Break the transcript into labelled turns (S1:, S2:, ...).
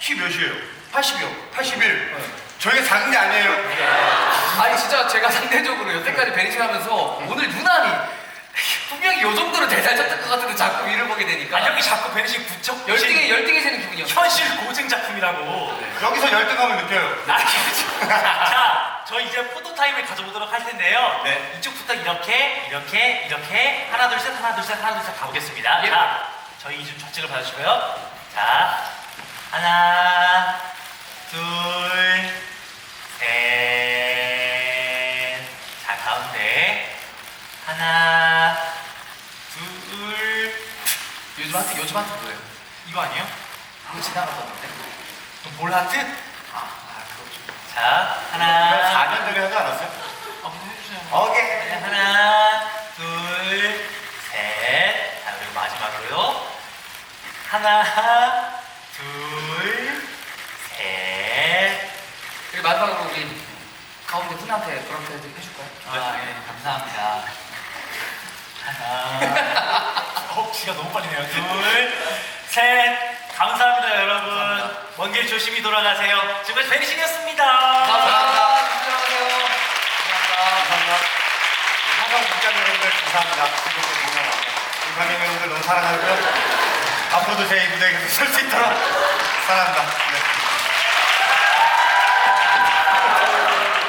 S1: 키 몇이에요?
S2: 80이요.
S1: 81. 저희가 작은 게 아니에요.
S2: 아니 진짜 제가 상대적으로 여태까지 베니싱 하면서 오늘 유난히 분명히 요 정도로 대단했던 것 같은데 자꾸 위를 보게 되니까
S3: 형이 자꾸 베니싱 부쩍
S2: 열등해 세는 기분이요.
S3: 현실 고증 작품이라고.
S1: 여기서 열등감을 느껴요.
S3: 자, 저희 이제 포토타임을 가져보도록 할 텐데요.
S1: 네.
S3: 이쪽부터 이렇게 하나 둘 셋 가보겠습니다.
S2: 예.
S3: 자, 저희 이좀 좌측을 봐주시고요. 자, 하나, 둘, 셋. 자, 가운데 하나, 둘.
S2: 요즘 하트 뭐예요?
S3: 이거 아니에요?
S2: 이거 지나갔었는데.
S3: 볼 하트?
S2: 그렇죠.
S3: 자,
S1: 이거
S3: 하나.
S1: 4년 전에 하지 않았어요?
S3: 해주세요.
S1: 오케이.
S3: 하나, 둘, 셋. 자, 그리고 마지막으로요. 하나, 둘, 셋.
S2: 그리고 마지막으로 우리 가운데 분한테 그렇게 해줄까요?
S3: 아, 예, 감사합니다. 하나. 귀가 너무 빨리네요. 둘, 셋. 감사합니다, 여러분.
S2: 감사합니다.
S3: 먼 길 조심히 돌아가세요. 지금까지 베니싱이었습니다.
S2: 감사합니다. 조심히
S1: 감사합니다. 항상 국장 여러분들 감사합니다. 우리 관객 여러분들 너무 사랑하고요. 앞으로도 제 무대에 계속 설 수 있도록 사랑합니다. 네.